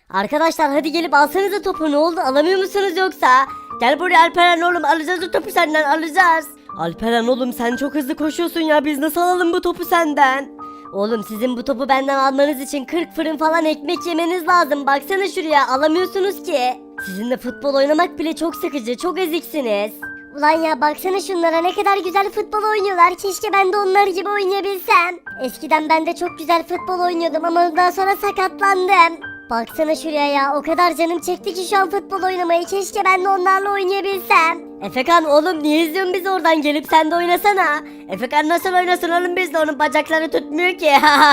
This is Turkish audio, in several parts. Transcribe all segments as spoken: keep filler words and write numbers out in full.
Arkadaşlar hadi gelip alsanıza topu, ne oldu, alamıyor musunuz yoksa? Gel buraya Alperen oğlum, alacağız o topu senden, alacağız. Alperen oğlum sen çok hızlı koşuyorsun ya, biz nasıl alalım bu topu senden? Oğlum sizin bu topu benden almanız için kırk fırın falan ekmek yemeniz lazım, baksana şuraya, alamıyorsunuz ki. Sizinle futbol oynamak bile çok sıkıcı, çok eziksiniz. Ulan ya baksana şunlara, ne kadar güzel futbol oynuyorlar. Keşke ben de onlar gibi oynayabilsem. Eskiden ben de çok güzel futbol oynuyordum ama ondan sonra sakatlandım. Baksana şuraya ya, o kadar canım çekti ki şu an futbol oynamayı. Keşke ben de onlarla oynayabilsem. Efekan oğlum niye izliyorsun bizi oradan, gelip sen de oynasana. Efekan nasıl oynasın oğlum bizle, onun bacakları tutmuyor ki.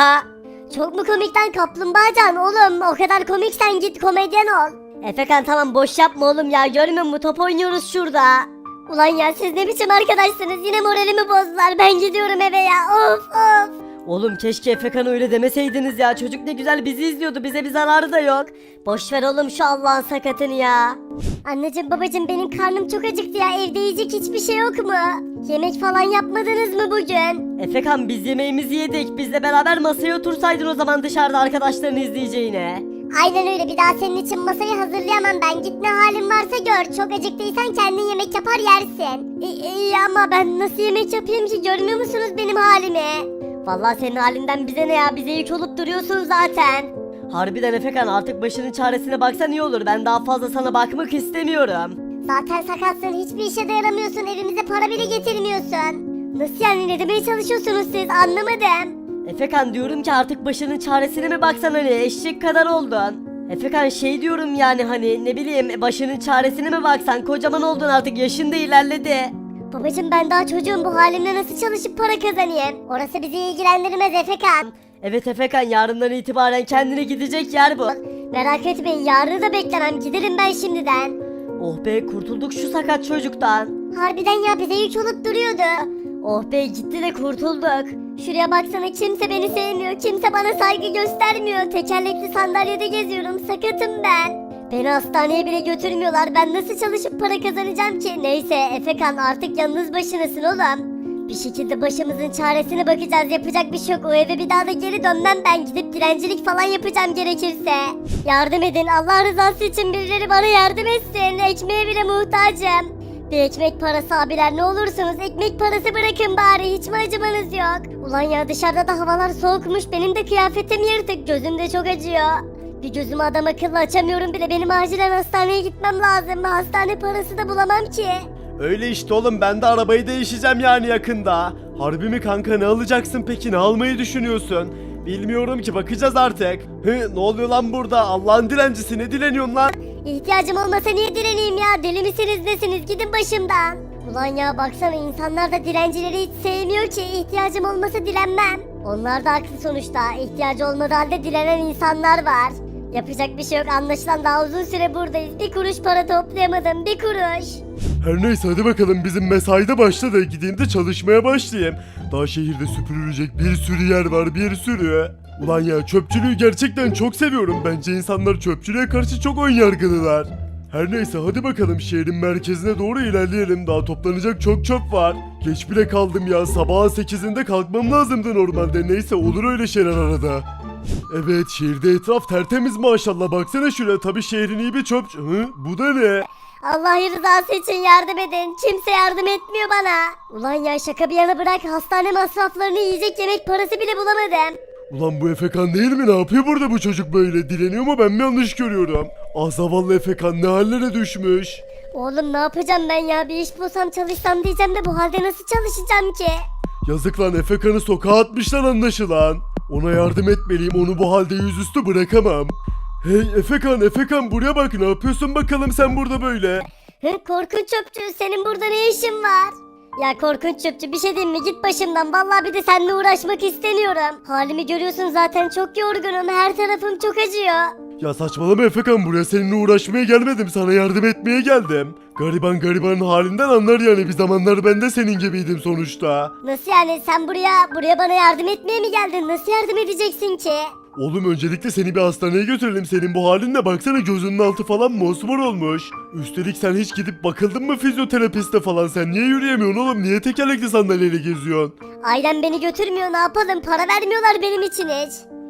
Çok mu komikten kaplumbağacan oğlum, o kadar komiksen git komedyen ol. Efekan tamam boş yapma oğlum ya, görmüyor musun top oynuyoruz şurada. Ulan ya siz ne biçim arkadaşsınız, yine moralimi bozdular, ben gidiyorum eve ya, of of. Oğlum keşke Efekan'a öyle demeseydiniz ya, çocuk ne güzel bizi izliyordu, bize bir zararı da yok. Boş ver oğlum şu Allah'ın sakatını ya. Anneciğim babacığım benim karnım çok acıktı ya, evde yiyecek hiçbir şey yok mu? Yemek falan yapmadınız mı bugün? Efekan biz yemeğimizi yedik, bizle beraber masaya otursaydın o zaman dışarıda arkadaşlarını izleyeceğine. Aynen öyle, bir daha senin için masayı hazırlayamam ben. Git ne halin varsa gör. Çok acıktıysan kendin yemek yapar yersin. İyi, iyi ama ben nasıl yemek yapayım ki, görmüyor musunuz benim halimi? Vallahi senin halinden bize ne ya, bize yük olup duruyorsun zaten. Harbiden Efekan artık başının çaresine baksan iyi olur, ben daha fazla sana bakmak istemiyorum. Zaten sakatsın, hiçbir işe de yaramıyorsun, evimize para bile getirmiyorsun. Nasıl yani, ne demeye çalışıyorsunuz siz, anlamadım. Efekan diyorum ki artık başının çaresine mi baksan, hani eşek kadar oldun. Efekan şey diyorum yani, hani ne bileyim başının çaresine mi baksan, kocaman oldun artık, yaşın da ilerledi. Babacım ben daha çocuğum, bu halimle nasıl çalışıp para kazanayım? Orası bizi ilgilendirmez Efekan. Evet Efekan, yarından itibaren kendine gidecek yer bu. Merak etmeyin, yarını da beklemem, giderim ben şimdiden. Oh be, kurtulduk şu sakat çocuktan. Harbiden ya, bize yük olup duruyordu. Oh be, gitti de kurtulduk. Şuraya baksana, kimse beni sevmiyor, kimse bana saygı göstermiyor. Tekerlekli sandalyede geziyorum, sakatım ben. Beni hastaneye bile götürmüyorlar, ben nasıl çalışıp para kazanacağım ki? Neyse Efekan, artık yalnız başınasın oğlum. Bir şekilde başımızın çaresine bakacağız, yapacak bir şey yok. O eve bir daha da geri dönmem ben, gidip dilencilik falan yapacağım gerekirse. Yardım edin, Allah rızası için birileri bana yardım etsin, ekmeğe bile muhtacım. Bir ekmek parası abiler, ne olursunuz ekmek parası bırakın bari, hiç mi acımanız yok? Ulan ya dışarıda da havalar soğukmuş, benim de kıyafetim yırtık, gözüm de çok acıyor. Bir gözümü adam akıllı açamıyorum bile, benim acilen hastaneye gitmem lazım, hastane parası da bulamam ki. Öyle işte oğlum, ben de arabayı değişeceğim yani yakında. Harbi mi kanka, ne alacaksın peki, ne almayı düşünüyorsun? Bilmiyorum ki, bakacağız artık. Hı, ne oluyor lan burada, Allah'ın dilencisi, ne dileniyorsun lan? İhtiyacım olmasa niye direneyim ya, deli misiniz nesiniz, gidin başımdan. Ulan ya baksana, insanlar da dilencileri hiç sevmiyor ki, ihtiyacım olmasa dilenmem. Onlar da haklı sonuçta, ihtiyacı olmadığı halde dilenen insanlar var. Yapacak bir şey yok, anlaşılan daha uzun süre buradayız, bir kuruş para toplayamadım, bir kuruş. Her neyse hadi bakalım, bizim mesaide başladı, gideyim de çalışmaya başlayayım. Daha şehirde süpürülecek bir sürü yer var, bir sürü. Ulan ya, çöpçülüğü gerçekten çok seviyorum. Bence insanlar çöpçülüğe karşı çok önyargılılar. Her neyse hadi bakalım, şehrin merkezine doğru ilerleyelim. Daha toplanacak çok çöp var. Geç bile kaldım ya, sabahın sekizinde kalkmam lazımdı normalde. Neyse, olur öyle şeyler arada. Evet, şehirde etraf tertemiz maşallah, baksana şuraya. Tabii şehrin iyi bir çöpçü. Hı? Bu da ne? Allah rızası için yardım edin. Kimse yardım etmiyor bana. Ulan ya şaka bir yana bırak, hastane masraflarını yiyecek yemek parası bile bulamadım. Ulan bu Efekan değil mi? Ne yapıyor burada bu çocuk böyle? Dileniyor mu, ben mi yanlış görüyorum? Ah zavallı Efekan, ne hallere düşmüş. Oğlum ne yapacağım ben ya, bir iş bulsam çalışsam diyeceğim de bu halde nasıl çalışacağım ki? Yazık lan, Efekan'ı sokağa atmışlar anlaşılan. Ona yardım etmeliyim, onu bu halde yüzüstü bırakamam. Hey Efekan, Efekan buraya bak, ne yapıyorsun bakalım sen burada böyle? Hı, korkunç çöpçü, senin burada ne işin var? Ya korkunç çöpçü, bir şey diyeyim mi, git başımdan, vallahi bir de seninle uğraşmak istemiyorum. Halimi görüyorsun zaten, çok yorgunum, her tarafım çok acıyor. Ya saçmalama Efekan, buraya seninle uğraşmaya gelmedim, sana yardım etmeye geldim. Gariban garibanın halinden anlar yani, bir zamanlar ben de senin gibiydim sonuçta. Nasıl yani, sen buraya buraya bana yardım etmeye mi geldin, nasıl yardım edeceksin ki? Oğlum öncelikle seni bir hastaneye götürelim, senin bu halinle baksana, gözünün altı falan mosmor olmuş. Üstelik sen hiç gidip bakıldın mı fizyoterapiste falan, sen niye yürüyemiyorsun oğlum, niye tekerlekli sandalyeyle geziyorsun? Ailem beni götürmüyor, ne yapalım, para vermiyorlar benim için hiç.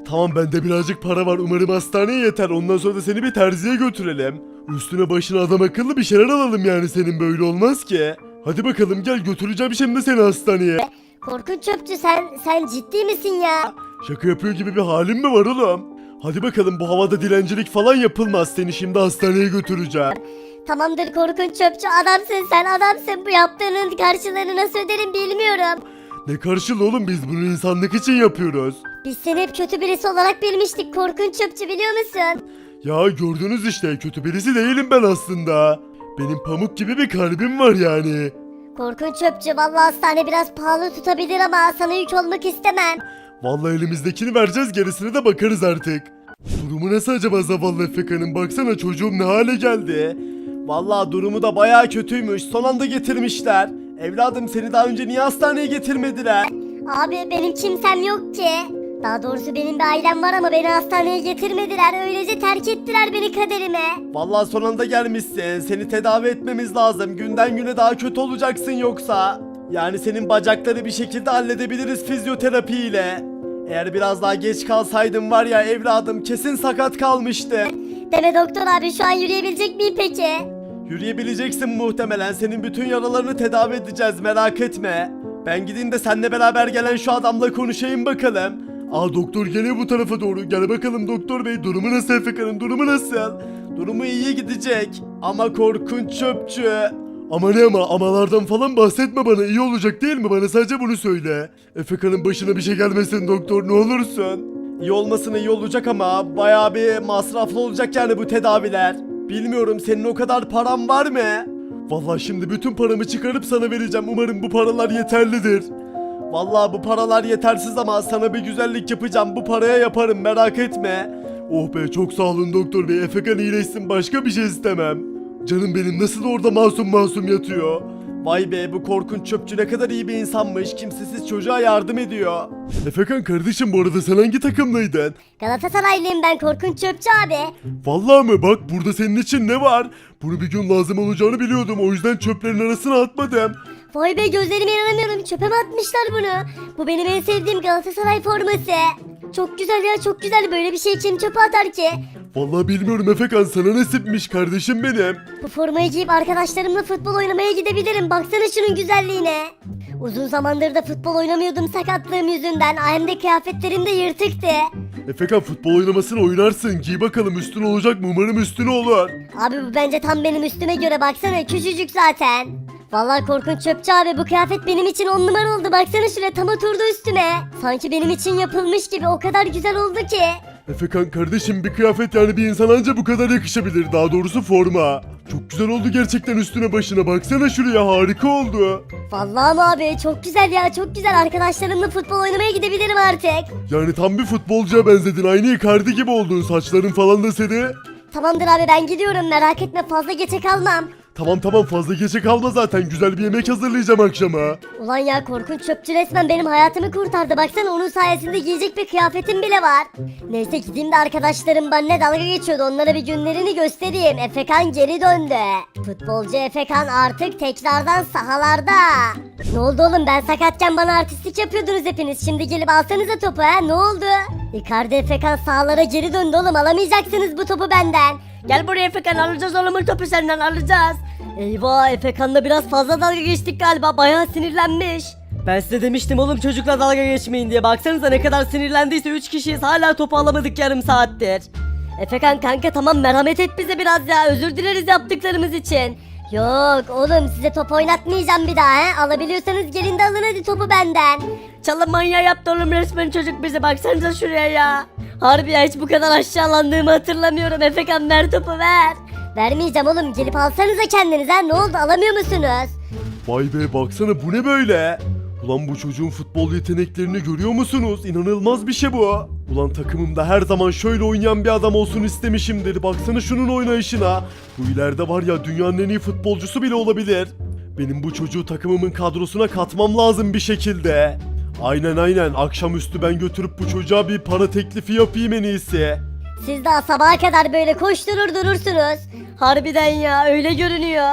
Tamam bende birazcık para var umarım hastaneye yeter ondan sonra da seni bir terziye götürelim. Üstüne başına adam akıllı bir şeyler alalım yani senin böyle olmaz ki. Hadi bakalım gel götüreceğim şimdi seni hastaneye. Korkunç çöpçü sen sen ciddi misin ya? Şaka yapıyor gibi bir halin mi var oğlum? Hadi bakalım bu havada dilencilik falan yapılmaz seni şimdi hastaneye götüreceğim. Tamamdır korkunç çöpçü adamsın sen adamsın bu yaptığının karşılığını nasıl öderim bilmiyorum. Ne karşılığı oğlum biz bunu insanlık için yapıyoruz. Biz seni hep kötü birisi olarak bilmiştik korkunç çöpçü biliyor musun? Ya gördünüz işte kötü birisi değilim ben aslında. Benim pamuk gibi bir kalbim var yani. Korkunç çöpçü vallahi hastane biraz pahalı tutabilir ama sana yük olmak istemem. Vallahi elimizdekini vereceğiz gerisine de bakarız artık. Durumu nasıl acaba zavallı Efeka'nın baksana çocuğum ne hale geldi. Vallahi durumu da bayağı kötüymüş. Son anda getirmişler. Evladım seni daha önce niye hastaneye getirmediler? Abi benim kimsem yok ki. Daha doğrusu benim bir ailem var ama beni hastaneye getirmediler. Öylece terk ettiler beni kaderime. Vallahi son anda gelmişsin. Seni tedavi etmemiz lazım. Günden güne daha kötü olacaksın yoksa. Yani senin bacakları bir şekilde halledebiliriz fizyoterapi ile. Eğer biraz daha geç kalsaydın var ya evladım kesin sakat kalmıştı. Deme doktor abi şu an yürüyebilecek miyim peki? Yürüyebileceksin muhtemelen. Senin bütün yaralarını tedavi edeceğiz merak etme. Ben gideyim de seninle beraber gelen şu adamla konuşayım bakalım. Aa doktor geliyor bu tarafa doğru. Gel bakalım doktor bey durumu nasıl Efeka'nın durumu nasıl? Durumu iyi gidecek ama korkunç çöpçü. Ama ne ama amalardan falan bahsetme bana iyi olacak değil mi bana sadece bunu söyle. Efeka'nın başına bir şey gelmesin doktor ne olursun. İyi olmasına iyi olacak ama bayağı bir masraflı olacak yani bu tedaviler. Bilmiyorum senin o kadar paran var mı? Vallahi şimdi bütün paramı çıkarıp sana vereceğim umarım bu paralar yeterlidir. Vallahi bu paralar yetersiz ama sana bir güzellik yapacağım bu paraya yaparım merak etme. Oh be çok sağ olun doktor bey Efekan iyileşsin başka bir şey istemem. Canım benim nasıl orada masum masum yatıyor. Vay be bu korkunç çöpçü ne kadar iyi bir insanmış kimsesiz çocuğa yardım ediyor. Efekan kardeşim bu arada sen hangi takımlıydın? Galatasaraylıyım ben korkunç çöpçü abi. Vallahi mi bak burada senin için ne var? Bunu bir gün lazım olacağını biliyordum o yüzden çöplerin arasına atmadım. Vay be gözlerime inanamıyorum çöpe mi atmışlar bunu? Bu benim en sevdiğim Galatasaray forması. Çok güzel ya çok güzel böyle bir şey kim çöpe atar ki? Vallahi bilmiyorum Efekan sana nasipmiş kardeşim benim. Bu formayı giyip arkadaşlarımla futbol oynamaya gidebilirim. Baksana şunun güzelliğine. Uzun zamandır da futbol oynamıyordum sakatlığım yüzünden. Hem de kıyafetlerim de yırtıktı. Efekan futbol oynamasını oynarsın giy bakalım üstün olacak mı umarım üstün olur. Abi bu bence tam benim üstüme göre baksana küçücük zaten. Vallahi korkunç çöpçü abi bu kıyafet benim için on numara oldu. Baksana şuraya tam oturdu üstüme. Sanki benim için yapılmış gibi o kadar güzel oldu ki. Efekan kardeşim bir kıyafet yani bir insan anca bu kadar yakışabilir daha doğrusu forma. Çok güzel oldu gerçekten üstüne başına baksana şuraya harika oldu. Vallahi mi abi çok güzel ya çok güzel arkadaşlarımla futbol oynamaya gidebilirim artık. Yani tam bir futbolcuya benzedin aynı Icardi gibi oldun saçların falan da seni. Tamamdır abi ben gidiyorum merak etme fazla geçe kalmam. Tamam tamam fazla geçe kalma zaten güzel bir yemek hazırlayacağım akşama. Ulan ya korkunç çöpçü resmen benim hayatımı kurtardı. Baksana onun sayesinde giyecek bir kıyafetim bile var. Neyse gideyim de arkadaşlarım benimle dalga geçiyordu. Onlara bir günlerini göstereyim. Efekan geri döndü. Futbolcu Efekan artık tekrardan sahalarda. Ne oldu oğlum ben sakatken bana artistlik yapıyordunuz hepiniz. Şimdi gelip alsanıza topu ha ne oldu? Icardi Efekan sahalara geri döndü oğlum alamayacaksınız bu topu benden. Gel buraya Efekan alacağız oğlum bu topu senden alacağız. Eyvah Efekan'la biraz fazla dalga geçtik galiba bayağı sinirlenmiş. Ben size demiştim oğlum çocukla dalga geçmeyin diye baksanıza ne kadar sinirlendiyse üç kişiyiz hala topu alamadık yarım saattir. Efekan kanka tamam merhamet et bize biraz ya özür dileriz yaptıklarımız için. Yok oğlum size top oynatmayacağım bir daha he. Alabiliyorsanız gelin de alın hadi topu benden. Çalın manyağı yaptı oğlum resmen çocuk bize baksanıza şuraya ya. Harbi ya hiç bu kadar aşağılandığımı hatırlamıyorum Efekan ver topu ver. Vermeyeceğim oğlum gelip alsanıza kendiniz ha ne oldu alamıyor musunuz? Vay be baksana bu ne böyle? Ulan bu çocuğun futbol yeteneklerini görüyor musunuz? İnanılmaz bir şey bu. Ulan takımımda her zaman şöyle oynayan bir adam olsun istemişimdir. Baksana şunun oynayışına. Bu ileride var ya dünyanın en iyi futbolcusu bile olabilir. Benim bu çocuğu takımımın kadrosuna katmam lazım bir şekilde. Aynen aynen akşamüstü ben götürüp bu çocuğa bir para teklifi yapayım en iyisi. Siz daha sabaha kadar böyle koşturur durursunuz. Harbiden ya öyle görünüyor.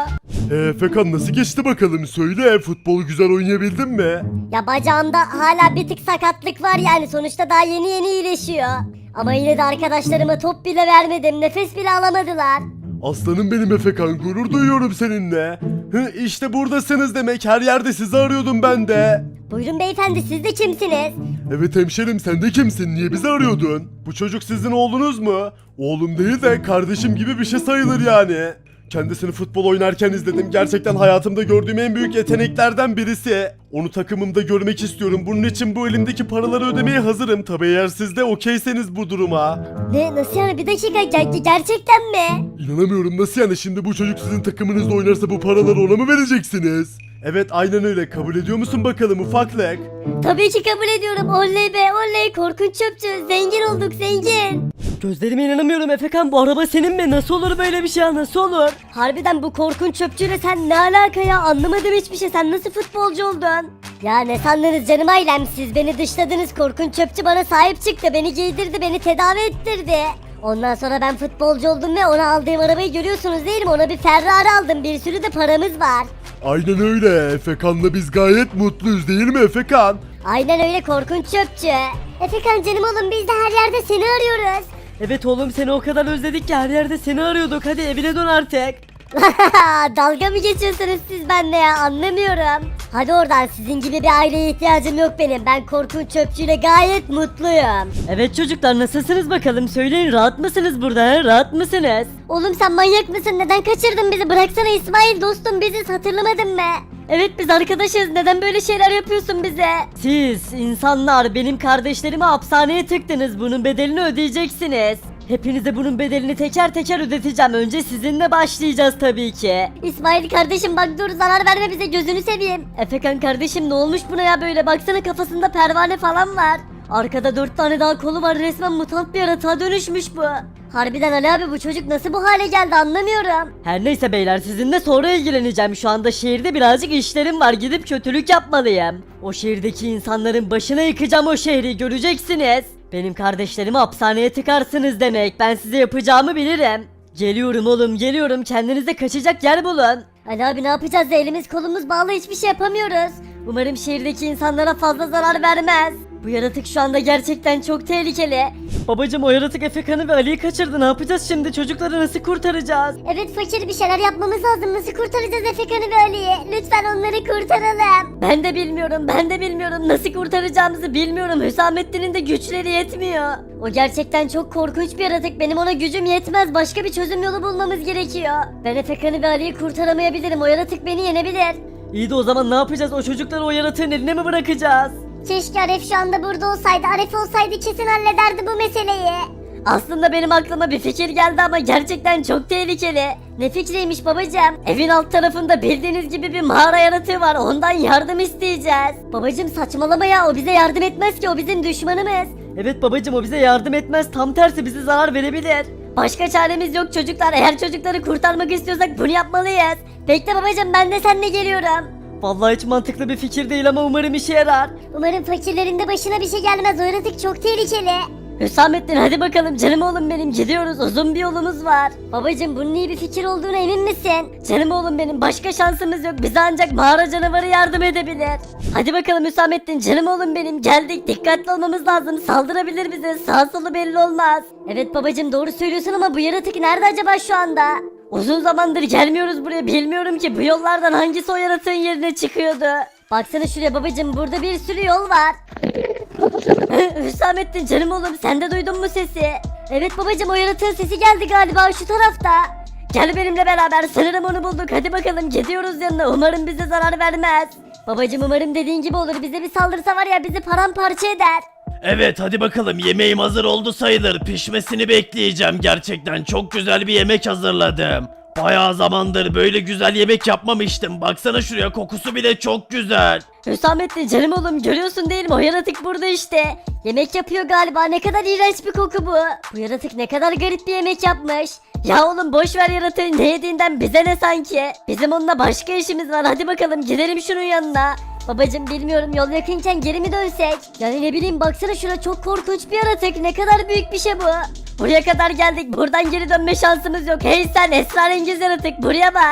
Ee, Efekan nasıl geçti bakalım söyle futbol güzel oynayabildin mi? Ya bacağımda hala bir tık sakatlık var yani sonuçta daha yeni yeni iyileşiyor. Ama yine de arkadaşlarıma top bile vermedim, nefes bile alamadılar. Aslanım benim Efekan gurur duyuyorum seninle. Hı, işte buradasınız demek, her yerde sizi arıyordum ben de. Buyurun beyefendi, siz de kimsiniz? Evet hemşerim sen de kimsin niye bizi arıyordun? Bu çocuk sizin oğlunuz mu? Oğlum değil de kardeşim gibi bir şey sayılır yani. Kendisini futbol oynarken izledim. Gerçekten hayatımda gördüğüm en büyük yeteneklerden birisi. Onu takımımda görmek istiyorum. Bunun için bu elimdeki paraları ödemeye hazırım. Tabi eğer siz de okeyseniz bu duruma. Ne, nasıl yani, bir dakika, ger- gerçekten mi? İnanamıyorum nasıl yani şimdi bu çocuk sizin takımınızda oynarsa bu paraları ona mı vereceksiniz? Evet aynen öyle. Kabul ediyor musun bakalım ufaklık? Tabii ki kabul ediyorum, oley be oley, korkunç çöpçü, zengin olduk zengin. Gözlerime inanamıyorum Efekan, bu araba senin mi? Nasıl olur böyle bir şey ya, nasıl olur? Harbiden bu korkunç çöpçüyle sen ne alaka ya, anlamadım hiçbir şey, sen nasıl futbolcu oldun? Ya ne sandınız canım ailem, siz beni dışladınız, korkunç çöpçü bana sahip çıktı, beni giydirdi, beni tedavi ettirdi. Ondan sonra ben futbolcu oldum ve ona aldığım arabayı görüyorsunuz değil mi? Ona bir Ferrari aldım, bir sürü de paramız var. Aynen öyle Efekan'la biz gayet mutluyuz değil mi Efekan? Aynen öyle korkunç çöpçü. Efekan canım oğlum, biz de her yerde seni arıyoruz. Evet oğlum, seni o kadar özledik ki her yerde seni arıyorduk, hadi evine dön artık. Dalga mı geçiyorsunuz siz benimle ya, anlamıyorum. Hadi oradan, sizin gibi bir aileye ihtiyacım yok benim. Ben korkunç çöpçüyle gayet mutluyum. Evet çocuklar, nasılsınız bakalım, söyleyin, rahat mısınız burada, he? Rahat mısınız? Oğlum sen manyak mısın? Neden kaçırdın bizi? Bıraksana İsmail, dostum biziz, hatırlamadın mı? Evet biz arkadaşız, neden böyle şeyler yapıyorsun bize? Siz insanlar benim kardeşlerimi hapishaneye tıktınız, bunun bedelini ödeyeceksiniz. Hepinize bunun bedelini teker teker ödeteceğim, önce sizinle başlayacağız tabii ki. İsmail kardeşim bak dur, zarar verme bize, gözünü seveyim. Efekan kardeşim ne olmuş buna ya böyle, baksana kafasında pervane falan var. Arkada dört tane daha kolu var, resmen mutant bir yaratığa dönüşmüş bu. Harbiden Ali abi, bu çocuk nasıl bu hale geldi anlamıyorum. Her neyse beyler, sizinle sonra ilgileneceğim. Şu anda şehirde birazcık işlerim var, gidip kötülük yapmalıyım. O şehirdeki insanların başına yıkacağım o şehri, göreceksiniz. Benim kardeşlerimi hapishaneye tıkarsınız demek, ben size yapacağımı bilirim. Geliyorum oğlum geliyorum, kendinize kaçacak yer bulun. Ali abi ne yapacağız, elimiz kolumuz bağlı, hiçbir şey yapamıyoruz. Umarım şehirdeki insanlara fazla zarar vermez. Bu yaratık şu anda gerçekten çok tehlikeli. Babacım o yaratık Efekan'ı ve Ali'yi kaçırdı, ne yapacağız şimdi, çocukları nasıl kurtaracağız? Evet fakir, bir şeyler yapmamız lazım, nasıl kurtaracağız Efekan'ı ve Ali'yi? Lütfen onları kurtaralım. Ben de bilmiyorum, ben de bilmiyorum. Nasıl kurtaracağımızı bilmiyorum. Hüsamettin'in de güçleri yetmiyor. O gerçekten çok korkunç bir yaratık, benim ona gücüm yetmez, başka bir çözüm yolu bulmamız gerekiyor. Ben Efekan'ı ve Ali'yi kurtaramayabilirim, o yaratık beni yenebilir. İyi de o zaman ne yapacağız? O çocukları o yaratığın eline mi bırakacağız? Keşke Aref şu anda burada olsaydı, Aref olsaydı kesin hallederdi bu meseleyi. Aslında benim aklıma bir fikir geldi ama gerçekten çok tehlikeli. Ne fikriymiş babacığım? Evin alt tarafında bildiğiniz gibi bir mağara yaratığı var. Ondan yardım isteyeceğiz. Babacığım saçmalama ya, o bize yardım etmez ki, o bizim düşmanımız. Evet babacım, o bize yardım etmez. Tam tersi bize zarar verebilir. Başka çaremiz yok çocuklar. Eğer çocukları kurtarmak istiyorsak bunu yapmalıyız. Bekle babacığım, ben de seninle geliyorum. Vallahi hiç mantıklı bir fikir değil ama umarım işe yarar. Umarım fakirlerin de başına bir şey gelmez, o yaratık çok tehlikeli. Hüsamettin hadi bakalım canım oğlum benim, gidiyoruz, uzun bir yolumuz var. Babacığım bunun iyi bir fikir olduğuna emin misin? Canım oğlum benim, başka şansımız yok, bize ancak mağara canavarı yardım edebilir. Hadi bakalım Hüsamettin canım oğlum benim, geldik, dikkatli olmamız lazım, saldırabilir bize, sağ solu belli olmaz. Evet babacığım doğru söylüyorsun ama bu yaratık nerede acaba şu anda? Uzun zamandır gelmiyoruz buraya, bilmiyorum ki bu yollardan hangisi o yaratığın yerine çıkıyordu. Baksana şuraya babacığım, burada bir sürü yol var. Hüsamettin canım oğlum, sen de duydun mu sesi? Evet babacığım, o yaratığın sesi geldi galiba şu tarafta. Gel benimle beraber, sanırım onu bulduk, hadi bakalım gidiyoruz yanına, umarım bize zarar vermez. Babacığım umarım dediğin gibi olur, bize bir saldırsa var ya bizi paramparça eder. Evet hadi bakalım, yemeğim hazır oldu sayılır. Pişmesini bekleyeceğim, gerçekten çok güzel bir yemek hazırladım. Bayağı zamandır böyle güzel yemek yapmamıştım. Baksana şuraya, kokusu bile çok güzel. Hüsamettin canım oğlum, görüyorsun değil mi, o yaratık burada işte. Yemek yapıyor galiba, ne kadar iğrenç bir koku bu. Bu yaratık ne kadar garip bir yemek yapmış. Ya oğlum boş ver yaratığı, ne yediğinden bize ne sanki. Bizim onunla başka işimiz var, hadi bakalım gidelim şunun yanına. Babacığım bilmiyorum, yol yakınken geri mi dönsek? Yani ne bileyim, baksana şuna, çok korkunç bir yaratık, ne kadar büyük bir şey bu. Buraya kadar geldik, buradan geri dönme şansımız yok. Hey sen esrarengiz yaratık, buraya bak.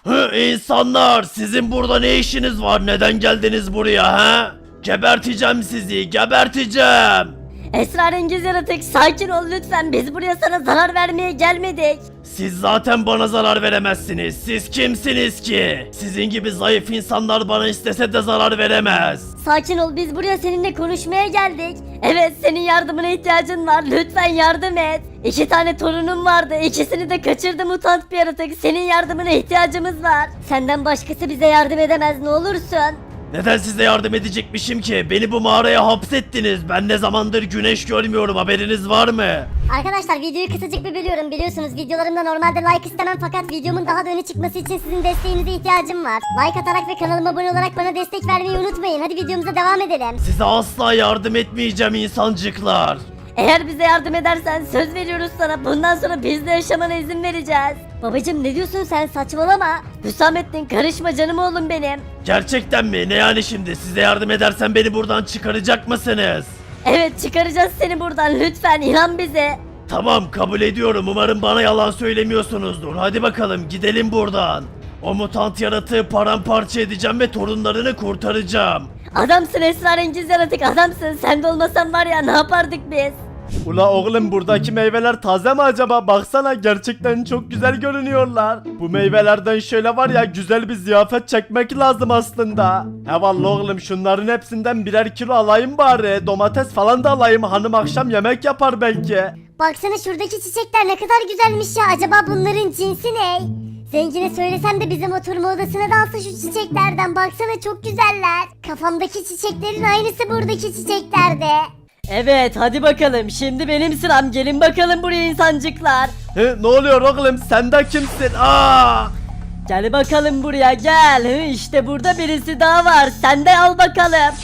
Hı, insanlar sizin burada ne işiniz var? Neden geldiniz buraya ha? Geberteceğim sizi, geberteceğim. Esrarengiz yaratık sakin ol lütfen, biz buraya sana zarar vermeye gelmedik. Siz zaten bana zarar veremezsiniz. Siz kimsiniz ki? Sizin gibi zayıf insanlar bana istese de zarar veremez. Sakin ol, biz buraya seninle konuşmaya geldik. Evet, senin yardımına ihtiyacın var, lütfen yardım et. İki tane torunum vardı, ikisini de kaçırdı mutant bir yaratık. Senin yardımına ihtiyacımız var. Senden başkası bize yardım edemez, ne olursun. Neden size yardım edecekmişim ki? Beni bu mağaraya hapsettiniz. Ben ne zamandır güneş görmüyorum, haberiniz var mı? Arkadaşlar videoyu kısacık bir bölüyorum. Biliyorsunuz videolarımda normalde like istemem fakat videomun daha da öne çıkması için sizin desteğinize ihtiyacım var. Like atarak ve kanalıma abone olarak bana destek vermeyi unutmayın. Hadi videomuza devam edelim. Size asla yardım etmeyeceğim insancıklar. Eğer bize yardım edersen söz veriyoruz sana, bundan sonra bizle yaşamana izin vereceğiz. Babacım ne diyorsun sen, saçmalama. Hüsamettin karışma canım oğlum benim. Gerçekten mi? Ne yani şimdi? Size yardım edersem beni buradan çıkaracak mısınız? Evet, çıkaracağız seni buradan, lütfen inan bize. Tamam, kabul ediyorum. Umarım bana yalan söylemiyorsunuzdur. Hadi bakalım gidelim buradan. O mutant yaratığı paramparça edeceğim ve torunlarını kurtaracağım. Adamsın esrarengiz yaratık, adamsın. Sen de olmasan var ya, ne yapardık biz? Ula oğlum, buradaki meyveler taze mi acaba? Baksana, gerçekten çok güzel görünüyorlar. Bu meyvelerden şöyle var ya, güzel bir ziyafet çekmek lazım aslında. He vallahi oğlum, şunların hepsinden birer kilo alayım bari. Domates falan da alayım, hanım akşam yemek yapar belki. Baksana şuradaki çiçekler ne kadar güzelmiş ya. Acaba bunların cinsi ne? Zengine söylesem de bizim oturma odasına da alsa şu çiçeklerden. Baksana çok güzeller. Kafamdaki çiçeklerin aynısı buradaki çiçeklerde. Evet, hadi bakalım, şimdi benim sıram, gelin bakalım buraya insancıklar. He, ne oluyor oğlum, sen de kimsin? Aa! Gel bakalım buraya, gel. Hı, işte burada birisi daha var, sen de al bakalım.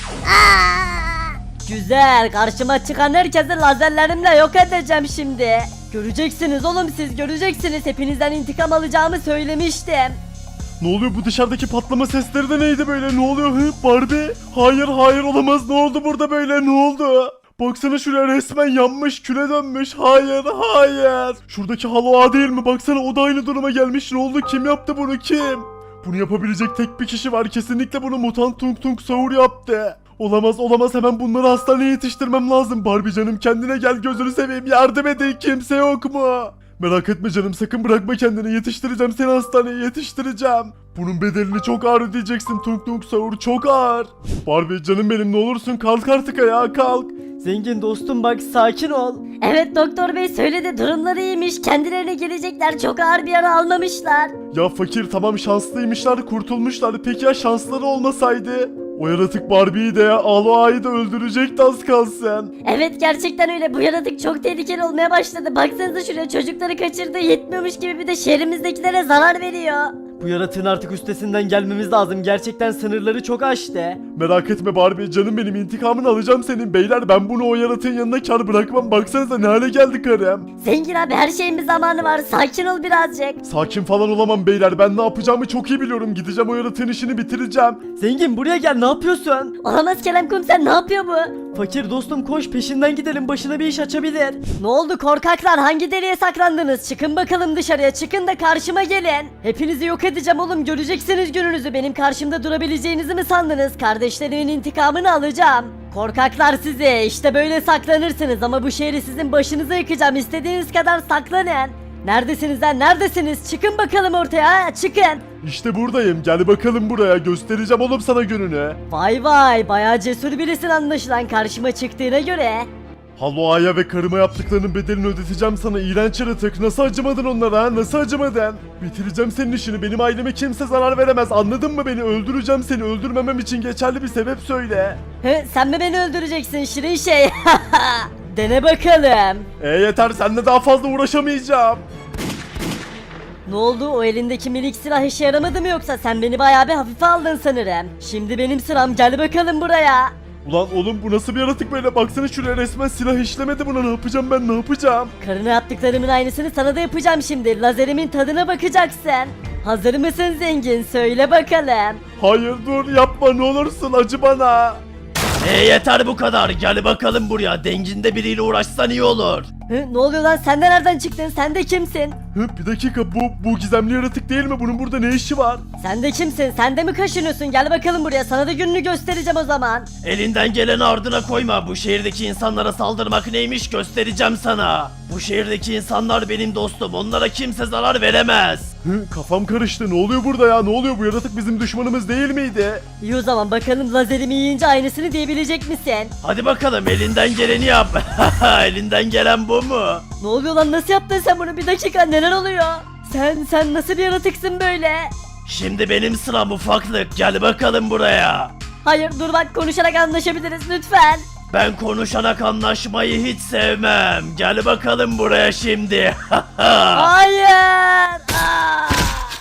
Aa! Güzel, karşıma çıkan herkesi lazerlerimle yok edeceğim şimdi. Göreceksiniz oğlum, siz göreceksiniz, hepinizden intikam alacağımı söylemiştim. Ne oluyor, bu dışarıdaki patlama sesleri de neydi böyle, ne oluyor hı Barbie? Hayır hayır olamaz, ne oldu burada böyle, ne oldu? Baksana şuraya, resmen yanmış, küle dönmüş. Hayır hayır. Şuradaki Halo Ağa değil mi? Baksana, o da aynı duruma gelmiş. Ne oldu, kim yaptı bunu, kim? Bunu yapabilecek tek bir kişi var, kesinlikle bunu mutant Tung Tung Sahur yaptı. Olamaz olamaz, hemen bunları hastaneye yetiştirmem lazım. Barbie canım, kendine gel, gözünü seveyim, yardım edin, kimse yok mu? Merak etme canım, sakın bırakma kendini, yetiştireceğim seni, hastaneye yetiştireceğim. Bunun bedelini çok ağır ödeyeceksin Tung Tung Sahur, çok ağır. Barbie canım benim, ne olursun kalk artık ayağa, kalk. Zengin dostum bak, sakin ol. Evet, doktor bey söyledi, durumları iyiymiş, kendilerine gelecekler, çok ağır bir yara almamışlar. Ya fakir, tamam şanslıymışlar, kurtulmuşlar, peki ya şansları olmasaydı? O yaratık Barbie'yi de Aloa'yı da öldürecekti az kalsın. Evet, gerçekten öyle, bu yaratık çok tehlikeli olmaya başladı. Baksanıza şuraya, çocukları kaçırdı, yetmiyormuş gibi bir de şehrimizdekilere zarar veriyor. Bu yaratığın artık üstesinden gelmemiz lazım. Gerçekten sınırları çok aştı. Merak etme Barbie canım benim, intikamını alacağım senin. Beyler, ben bunu o yaratığın yanına kar bırakmam, baksanıza ne hale geldi karım. Zengin abi, her şeyin bir zamanı var, sakin ol birazcık. Sakin falan olamam beyler, ben ne yapacağımı çok iyi biliyorum, gideceğim o yaratığın işini bitireceğim. Zengin buraya gel, ne yapıyorsun? Olamaz, Kerem Komiser ne yapıyor bu? Fakir dostum koş, peşinden gidelim, başına bir iş açabilir. Ne oldu korkaklar, hangi deliğe saklandınız? Çıkın bakalım dışarıya, çıkın da karşıma gelin. Hepinizi yok edeceğim oğlum, göreceksiniz gününüzü. Benim karşımda durabileceğinizi mi sandınız? Kardeşlerimin intikamını alacağım. Korkaklar sizi, işte böyle saklanırsınız ama bu şehri sizin başınıza yıkacağım. İstediğiniz kadar saklanın. Neredesiniz lan, neredesiniz? Çıkın bakalım ortaya, ha, çıkın. İşte buradayım, gel bakalım buraya, göstereceğim oğlum sana gününü. Vay vay, bayağı cesur birisin anlaşılan karşıma çıktığına göre. Haloa'ya ve karıma yaptıklarının bedelini ödeteceğim sana, iğrenç yaratık. Nasıl acımadın onlara ha? Nasıl acımadın? Bitireceğim senin işini. Benim aileme kimse zarar veremez. Anladın mı beni? Öldüreceğim seni. Öldürmemem için geçerli bir sebep söyle. He, sen mi beni öldüreceksin şirin şey? Dene bakalım. E yeter, seninle daha fazla uğraşamayacağım. Ne oldu, o elindeki minik silah işe yaramadı mı yoksa? Sen beni bayağı bir hafife aldın sanırım. Şimdi benim sıram, gel bakalım buraya. Ulan oğlum, bu nasıl bir yaratık böyle? Baksana şuraya, resmen silah işlemedi buna. Ne yapacağım ben, ne yapacağım? Karına yaptıklarımın aynısını sana da yapacağım şimdi. Lazerimin tadına bakacaksın. Hazır mısın zengin? Söyle bakalım. Hayır dur, yapma ne olursun, acı bana. E yeter bu kadar, gel bakalım buraya, denginde biriyle uğraşsan iyi olur. Hı, ne oluyor lan sen de nereden çıktın sen de kimsin? Hı, bir dakika bu bu gizemli yaratık değil mi? Bunun burada ne işi var? Sen de kimsin sen de mi kaşınıyorsun gel bakalım buraya sana da gününü göstereceğim o zaman. Elinden geleni ardına koyma. Bu şehirdeki insanlara saldırmak neymiş göstereceğim sana. Bu şehirdeki insanlar benim dostum. Onlara kimse zarar veremez. Hı, kafam karıştı. Ne oluyor burada ya? Ne oluyor? Bu yaratık bizim düşmanımız değil miydi? İyi o zaman bakalım lazerimi yiyince aynısını diyebilecek misin? Hadi bakalım elinden geleni yap. Elinden gelen bu mu? Ne oluyor lan nasıl yaptın sen bunu bir dakika neler oluyor? Sen sen nasıl bir yaratıksın böyle? Şimdi benim sıram ufaklık. Gel bakalım buraya. Hayır dur bak konuşarak anlaşabiliriz lütfen. Ben konuşarak anlaşmayı hiç sevmem. Gel bakalım buraya şimdi. Hayır. Aa!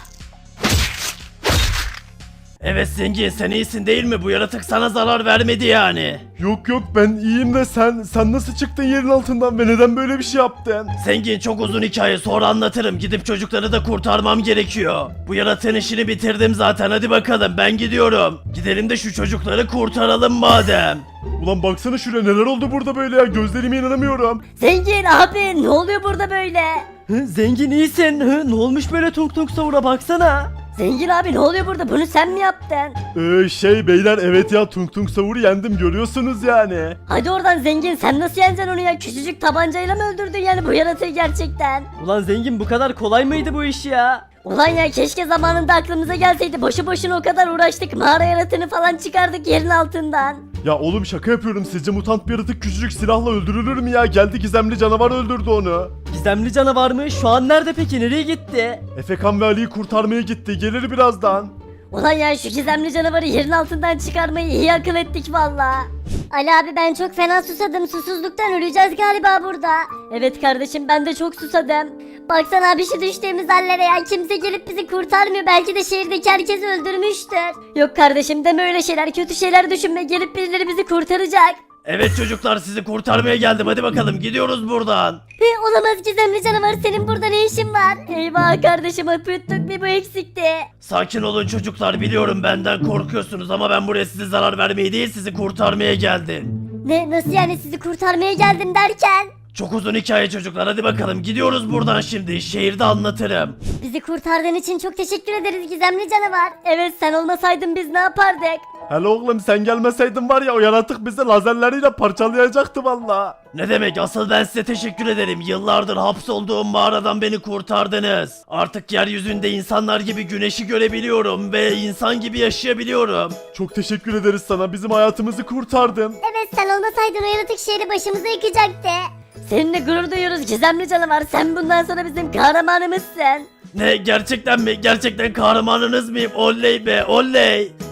Evet zengin sen iyisin değil mi? Bu yaratık sana zarar vermedi yani. Yok yok ben iyiyim de sen sen nasıl çıktın yerin altından ve neden böyle bir şey yaptın? Zengin çok uzun hikaye sonra anlatırım. Gidip çocukları da kurtarmam gerekiyor. Bu yaratığın işini bitirdim zaten hadi bakalım ben gidiyorum. Gidelim de şu çocukları kurtaralım madem. Ulan baksana şuraya neler oldu burada böyle ya gözlerime inanamıyorum. Zengin abi ne oluyor burada böyle? Hı, zengin iyisin. Hı, ne olmuş böyle tung tung savura baksana. Zengin abi ne oluyor burada bunu sen mi yaptın? Ee, şey beyler evet ya Tung Tung Savur'u yendim görüyorsunuz yani. Hadi oradan zengin sen nasıl yeneceksin onu ya küçücük tabancayla mı öldürdün yani bu yaratığı gerçekten? Ulan zengin bu kadar kolay mıydı bu iş ya? Ulan ya keşke zamanında aklımıza gelseydi boşu boşuna o kadar uğraştık mağara yaratığını falan çıkardık yerin altından. Ya oğlum şaka yapıyorum sizce mutant bir yaratık küçücük silahla öldürülür mü ya? Geldi gizemli canavar öldürdü onu. Gizemli canavar mı? Şu an nerede peki? Nereye gitti? Efekan ve Ali'yi kurtarmaya gitti gelir birazdan. Ulan ya şu gizemli canavarı yerin altından çıkarmayı iyi akıl ettik valla. Ali abi ben çok fena susadım. Susuzluktan öleceğiz galiba burada. Evet kardeşim ben de çok susadım. Baksana abi şu düştüğümüz hallere ya. Kimse gelip bizi kurtarmıyor. Belki de şehirdeki herkesi öldürmüştür. Yok kardeşim deme öyle şeyler kötü şeyler düşünme gelip birileri bizi kurtaracak. Evet çocuklar sizi kurtarmaya geldim hadi bakalım gidiyoruz buradan. Hı, olamaz gizemli canavar senin burada ne işin var? Eyvah kardeşim öpüttük bir bu eksikti. Sakin olun çocuklar biliyorum benden korkuyorsunuz ama ben buraya size zarar vermeye değil sizi kurtarmaya geldim. Ne nasıl yani sizi kurtarmaya geldim derken? Çok uzun hikaye çocuklar hadi bakalım gidiyoruz buradan şimdi şehirde anlatırım. Bizi kurtardığın için çok teşekkür ederiz gizemli canavar. Evet sen olmasaydın biz ne yapardık? Hele oğlum sen gelmeseydin var ya o yaratık bizi lazerleriyle parçalayacaktı valla. Ne demek asıl ben size teşekkür ederim. Yıllardır hapsolduğum mağaradan beni kurtardınız. Artık yeryüzünde insanlar gibi güneşi görebiliyorum ve insan gibi yaşayabiliyorum. Çok teşekkür ederiz sana bizim hayatımızı kurtardın. Evet sen olmasaydın o yaratık şehri başımıza yıkacaktı. Seninle gurur duyuyoruz gizemli canavar sen bundan sonra bizim kahramanımızsın. Ne gerçekten mi? Gerçekten kahramanınız mıyım? Oley be oley.